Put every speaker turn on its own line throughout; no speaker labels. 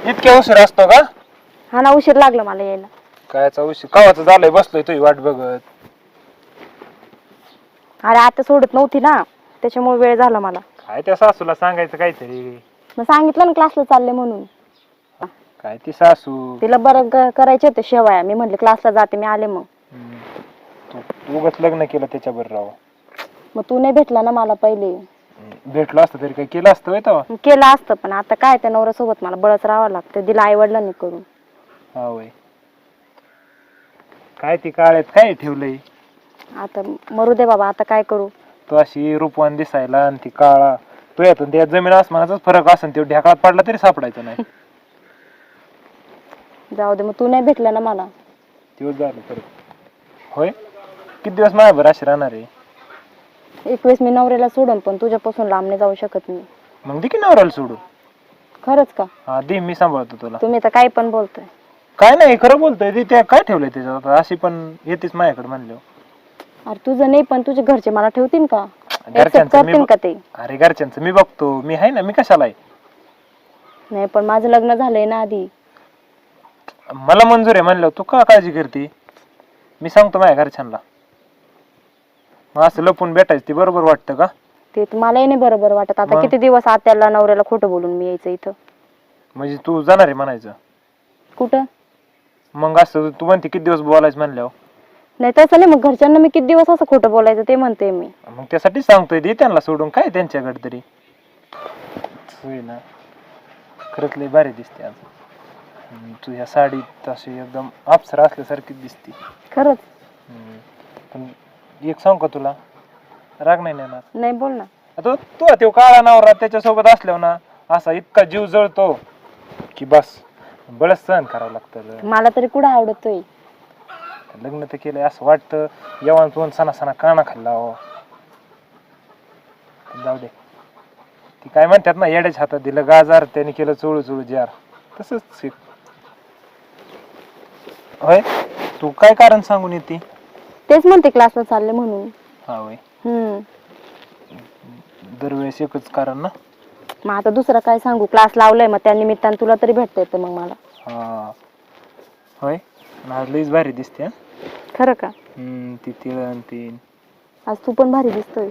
इतक्या उशीर असतो का?
हा ना, उशीर लागला मला यायला.
कायचा उशीर कवाचं झालंय, बसलोय तुझी वाट बघत.
अरे आता सोडत नव्हती ना, त्याच्यामुळे वेळ झाला मला.
काय त्या सासूला सांगायचं काहीतरी.
मग सांगितलं ना क्लासला चालले म्हणून.
काय ती सासू.
तिला बरं करायचे होते शेवाया, मी म्हटले क्लासला जाते, मी आले मग.
तू उगाच लग्न केलं त्याच्यावर राव.
मग तू नाही भेटला ना मला पहिले.
भेटलो असतं तरी काय केलं असतं तेव्हा.
केलं असतं, पण आता काय त्या नवऱ्यासोबत मला बळच राहावं लागतं. दिला आई वडिलांनी करून.
हा वय. काय ती काळ्यात काय ठेवलंय.
आता मरू दे बाबा, आता काय करू.
तू अशी रूपवान दिसायला आणि ती काळा, तू यातून त्या जमीन आसमानाचाच फरक असेल. तो ढेकळात पडला तरी सापडायचं नाही.
जाऊ दे, मग तू नाही भेटला ना मला.
दिवस झाले परत. होय, किती दिवस माझ्यावर अशी राहणार आहे.
एक वेळेस मी नवऱ्याला सोडून, पण तुझ्यापासून लांब नाही जाऊ शकत मी.
मग दे की नवऱ्याला सोडून.
खरंच का?
हा दे, मी सांभाळतो तुला.
तुम्ही तर काही पण बोलतोय.
काय नाही, खरं बोलतोय. ते त्या काय ठेवलंय त्याच्यात, अशी पण येतेच माझ्याकडे म्हणलं.
अरे तुझं नाही, पण तुझे घरचे मला ठेवतील का?
घरच्यांचं
करतील का ते?
अरे घरच्यांचं मी बघतो, मी आहे ना, मी कशाला आहे.
नाही, पण माझं लग्न झालंय ना आधी.
मला मंजूर आहे म्हणलं, तू का काळजी करते. मी सांगतो माझ्या घरच्यांना. मग असं लपून भेटायचं ते बरोबर वाटतं का?
ते मलाही नाही बरोबर वाटत. आता
मग?
किती दिवस आत्याला नवऱ्याला खोटं बोलून मी यायचं इथं.
म्हणजे तू जाणार आहे म्हणायचं.
कुठं?
मग असं तू म्हणते किती दिवस बोलायचं म्हणल्यावर.
नाही तसं नाही, मग घरच्यांना मी किती दिवस असं खोटं बोलायचं ते म्हणते मी.
मग त्यासाठी सांगतोय, दे त्यांना सोडून. काय त्यांच्याकडे तरी होय ना. खरंच लय भारी दिसते आज तू ह्या साडीत. अशी एकदम अप्सरा असल्यासारखी दिसते
खरंच.
पण एक सांग का तुला, राग नाही येणार.
नाही, बोल ना.
तू तो काळा नवरा त्याच्यासोबत असल्यावर ना, असा इतका जीव जळतो की बस, बळच सहन करावं लागतं.
मला तरी कुठं आवडतोय.
लग्न तर केलंय असं वाटतं येवान तोंड सणा सणा काना खाल्ला. जाऊ दे, ती काय म्हणतात ना, येड्याच्या हातात दिलं गाजार, त्याने केलं चोळू चोळू जार. तसंच होय. तू काय कारण सांगून येते.
तेच म्हणते क्लासला चालले म्हणून.
हा होय. दरवेळेस एकच कारण ना.
मग आता दुसरं काय सांगू, क्लास लावलाय, मग त्या निमित्तानं तुला तरी भेटता येतं मग मला.
हा होय. आज लईच भारी दिसते.
खरं का?
ती तिळ ती.
आज तू पण भारी दिसतोय.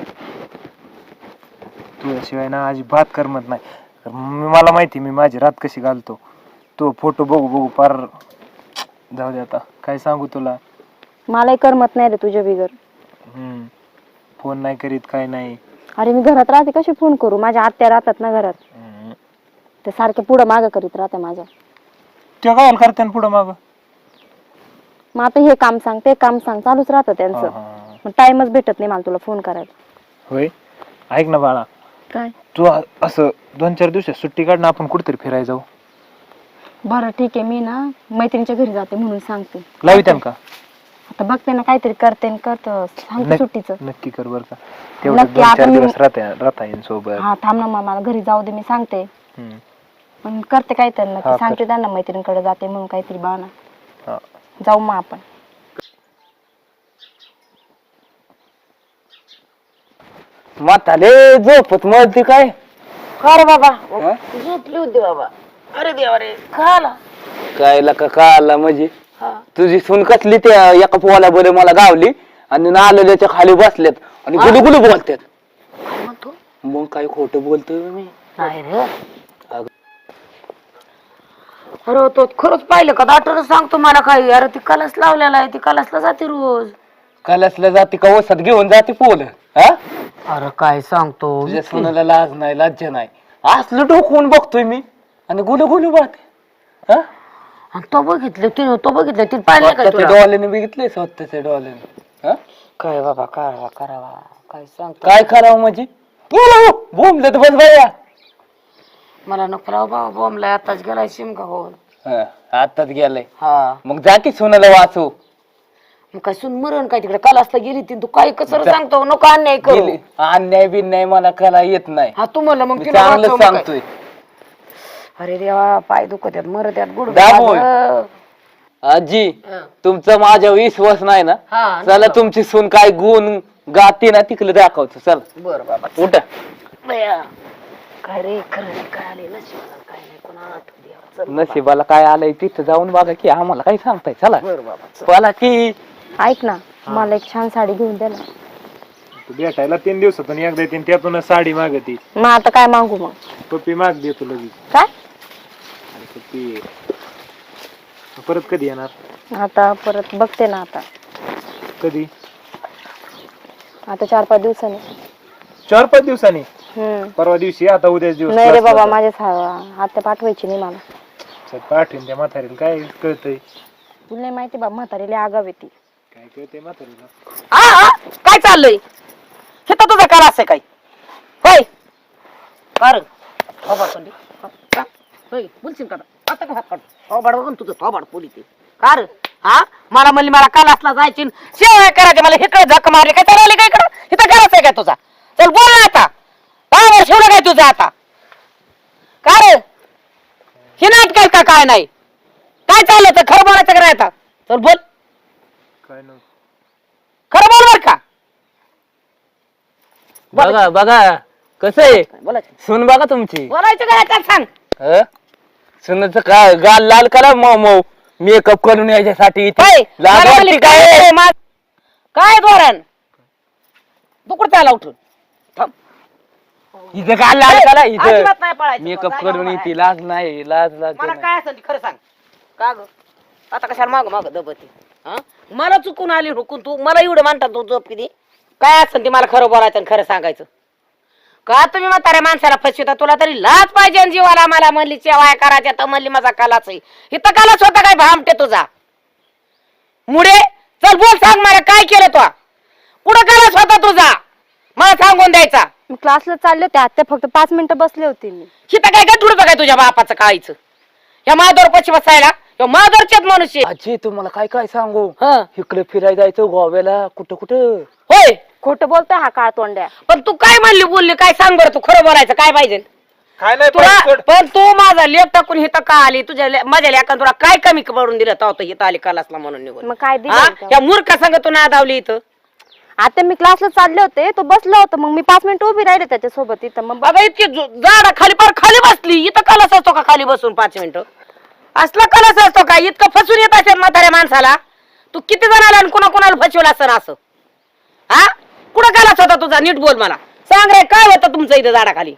तुझ्याशिवाय ना अजिबात करमत नाही. मला माहिती मी माझी रात कशी घालतो. तो फोटो बघू बघू पार. जाऊ दे आता, काय सांगू तुला.
मलाही करमत नाही रे तुझ्या बिगर.
फोन नाही करीत, काय नाही.
अरे मी घरात राहते, कशी फोन करू. माझ्या आत्या राहतात ना घरात, ते सारखे पुढं मागं करीत राहते माझ्या.
ते काय करते पुढं माग.
मग आता हे काम सांग, ते काम सांग, चालूच राहतं त्यांचं. मग टाइमच भेटत नाही मला तुला फोन करायला.
होय. ऐक ना बाळा,
काय?
तू असं 2-4 दिवसात सुट्टी काढ ना, आपण कुठेतरी फिरायला जाऊ.
बरं ठीक आहे, मी ना मैत्रिणीच्या घरी जाते म्हणून सांगते.
लावित्यान का?
आता बघते ना, काहीतरी करते करतो सांगते सुट्टीचं.
नक्की कर बरं का. तेवढं 2-4 दिवस राहता येईल सोबत.
हा थांब ना, मला घरी जाऊ दे, मी सांगते. पण करते काहीतरी नक्की, सांगते त्यांना मैत्रिणीकडे जाते म्हणून काहीतरी बहाणा. जाऊ मग आपण.
म्हाताले झोपत मरते काय.
कर बाबा, झोपली होती बाबा. अरे देवा रे, खाला
कायला का आला म्हणजे. तुझी सून कसली त्या एका पोहाला बरे मला गावली आणि नाल्याच्या खाली बसल्यात आणि गुलू गुलू बोलतात. मग काय खोटं बोलतोय मी.
नाही रे. अरे तो खरंच पाहिलं का, डॉक्टर सांगतो मला काही. अरे ती कलस लावलेला आहे, ती कलसला जाते रोज.
कलसला जाते का वसात घेऊन जाते पोल. हा
अरे काय सांगतो,
तुझ्या सुनाला लाज नाही, लज्जा नाही. असलं डोकवून बघतोय मी आणि गुलू गुलू बोलते.
तो बघितलं ती पाहिलं का
स्वतःच्या डोळ्याने बघितलंय, स्वतःच्या डोळ्याने.
काय बाबा करावा काय सांगतो.
काय करावं म्हणजे. बोंबले तर बस बाया.
मला नको राव बाबा, बॉम्बला आताच गेलाय शिमका होऊन.
आताच गेलाय.
हा
मग जा की सुनाला वाचव.
मग काय सुन मरण काय तिकडे कलासला गेली ती. तू काय कसं सांगतो, नको अन्याय करू.
अन्याय बिन्याय मला कला येत नाही.
हा तू म्हणलं मग
मी
तिला
चांगलं
वाचव मग काय.
सांगतोय.
अरे देवा, पाय दुखत आहेत, मरत आहेत, गुड
दाबोळ. आजी तुमचा माझ्या विश्वास नाही ना. चला तुमची सून काय गुण गाते ना तिकडे दाखवतो. चल
बर बाबा
उठा.
काय रे खरं काय आले नशिबाला काय नाही कोणा आठवू द्या. चल
नशिबाला काय आलंय तिथं जाऊन बघा की आम्हाला काय सांगताय चला
बरं बाबा चल.
बोला की.
ऐक ना मला एक छान साडी घेऊन दे ना.
तू भेटायला 3 दिवसातून एकदा येते त्यातूनच साडी मागती.
मग आता काय मागू मग?
पप्पी माग देतो लगेच.
काय
आणि पप्पी परत कधी येणार?
आता परत बघते ना. आता
कधी?
आता 4-5 दिवसांनी.
4-5 दिवसांनी? परवा दिवशी आता उद्याच दिवस.
नाही रे बाबा माझ्या आत्या पाठवायची नाही मला.
पाठवून त्या म्हातारीला काय कळतंय?
तुला नाही माहिती बाबा म्हातारीला आगाव येते.
काय कळतंय म्हातारीला?
हा काय चाललंय हे तर तुझं करा असं काय होय कर होय बोलशील का आता का हात काढ थोबाड बघून तुझं थोबाड पोली ते कार हा मला म्हणली मला कालासला जायची शेवया करायचे मला इकडे झक मारली काय चालले काय इकडं इथं करायचं आहे काय तुझा चल बोल ना आता बाबा शिवलं काय तुझं आता कार हे नाटक का काय नाही काय चाललं तर खरं बोलायचं का आता चल बोल
काय नव्हतं.
खरं बोल बर का
बघा बघा कसं आहे
बोलायचं
सुन बघा तुमची.
बोलायचं काय आता सांग
सुनाचं काय गाल लाल करा मऊ मऊ मेकअप करून यायच्यासाठी इथे.
काय
लाज
मला
वाटते
म्हणली
काय?
काय काय धोरण तू कुठं चालला उठून थांब.
इथं गाल लाल करा इथं
अजिबात नाही पळायचं.
मेकअप
जागा
करून
उभा
येते लाज नाही लाज लाज
मला काय असेल ते खरं सांग का ग आता कशाला माग माग दबते हा मला चुकून आली हुकून तू मला एवढं म्हणतात तू झोप किती काय असेल ते मला खरं बोलायचं आणि खरं सांगायचं का तुम्ही म्हाताऱ्या माणसाला फसविता तुला तरी लाज पाहिजे आणि जीवाला मला म्हणली सेवाय करायच्या तर म्हणली माझा कालाच आहे इथं कालाच होता काय भामटे तुझा मुडे चल बोल सांग मला काय केलं तू कुठं कालाच होता तुझा मला सांगून द्यायचा
मी क्लासला चालले होते आत्या फक्त 5 मिनिटं बसले होते मी.
हिथं काय गठुडतं काय तुझ्या बापाचं काळीचं या माधवर पशी बसायला या माधवरचेच मनुष्य
आजी तुम्हाला काय काय सांगू
हं.
इकडे फिरायला जायचं गोव्याला कुठं कुठं.
होय
खोटं बोलतोय हा काळ तोंड्या.
पण तू काय म्हणली बोलली काय सांग बरं तू खरं बोलायचं काय पाहिजे
काय नाही
तुला
पण सोड.
पण तू माझा लेख टाकून हिथं का आली तुझ्या माझ्या लेखान तुला काय कमी पडून दिलं तर हिथं आली कालासला म्हणून निघून
मग काय
हा?
दिलं
या मूर्खा संग तू नादावली इथं
आता मी क्लासला चालले होते तो बसला होता मग मी 5 मिनिटं उभी राहिले त्याच्यासोबत इथं मग
बाबा इतकी झाडा खाली पार खाली बसली इथं कलस असतो का खाली बसून 5 मिनिटं असला कलस असतो का इतकं फसून येत असेल म्हाताऱ्या माणसाला तू किती जणाला आणि कुणा कुणाला फसवलं असं असं हा कुठं कलस होता तुझा नीट बोल मला सांग रे काय होतं तुमचं इथं झाडाखाली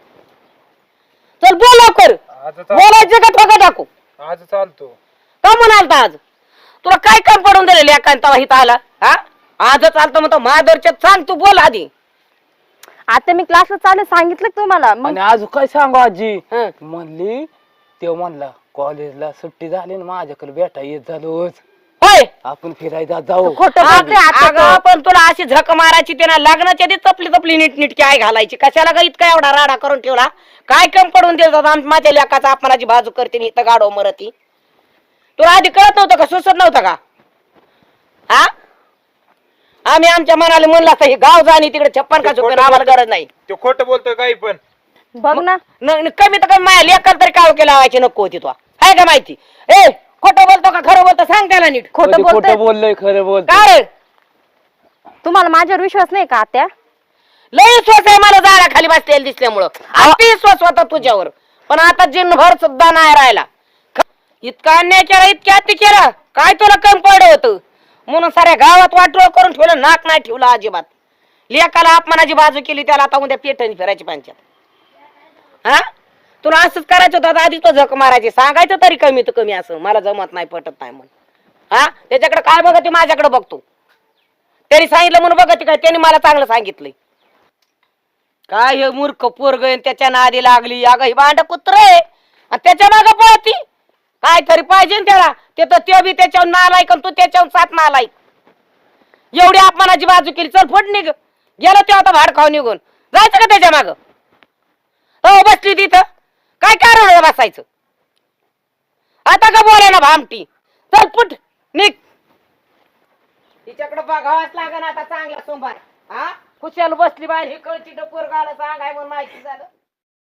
चल बोल लवकर बोलायचं का ठोका टाकू
आज चालतो.
का म्हणालता आज तुला काय काम पडून दिलेले एकांतावा इथं आला हा आज चालतं म्हणतो महादरच्या सांग तू बोल आधी
आता मी क्लासला चालले सांगितलं का तुम्हाला मग
आणि आज काय सांगू आजी
हं.
म्हणली ते म्हणला कॉलेजला सुट्टी झाली ना माझ्याकडे भेटा येत झालोच
होय
आपण फिरायला जाऊ.
खोटं बोलते आता
अगं पण तुला अशी झक मारायची त्यांना लग्नाच्या आधी तपली तपली नीटनीटकी आई घालायची कशाला ग इतका एवढा राडा करून ठेवला काय कम पडून दिलं माझ्या लेकाचा अपमानाची बाजू करते आणि इथं गाडो मरती तुला आधी कळत नव्हतं का सुचत नव्हतं का हा आम्ही आमच्या मनाला म्हणलं असतं हे गाव जाणी तिकडे 56 का झोपेन आम्हाला गरज नाही
तो खोटं बोलतोय काही पण.
बघ ना
कमी तर कमी माझ्या लेकाला तरी काव केला लावायची नको होती तो आहे का माहिती ए खोटं बोलतो का खरं बोलतो सांग त्याला नीट
खोटं
खोटं
बोलतोय
बोललोय खरं बोल
का रे
तुम्हाला माझ्यावर विश्वास नाही का आत्या?
लय विश्वास आहे मला झाडाखाली बसलेलं दिसल्यामुळं अति विश्वास होता तुझ्यावर पण आता जिनभर सुद्धा नाही राहिला इतका अन्याय केला इतक्या अति केला काय तुला कमी पडलं होतं म्हणून साऱ्या गावात वाटोळ करून ठेवलं नाक नाही ठेवलं अजिबात लेकाला अपमानाची बाजू केली त्याला आता उद्या पेटणी फिरायची पंचायत हा तुला असंच करायचं होतं आधी तो झक मारायची सांगायचं तरी कमी तर कमी असं मला जमत नाही पटत नाही म्हणून हा त्याच्याकडे काय बघते माझ्याकडे बघतो त्यांनी सांगितलं म्हणून बघते काय त्यांनी मला चांगलं सांगितलंय काय हे मूर्ख पोरग त्याच्या नादी लागली अगं ही भांड कुत्र आहे आणि त्याच्या मागं पळती काय तरी पाहिजे ना त्याला ते तर ते बी त्याच्यावर नालायक आणि तू त्याच्यावर 7 नालायक एवढी अपमानाची बाजू केली चल फट निघ गेलो ते आता भाड खाऊ निघून जायचं का त्याच्या मागं हो बसली तिथं काय कारण बसायचं आता का बोलाय ना भामटी चल फुट निघ तिच्याकडे बघावाच लागेल आता चांगला सोमवार हा खुशाल बसली बाहेर हे कळची डपोर गाला सांगाय म्हणून माहिती झालं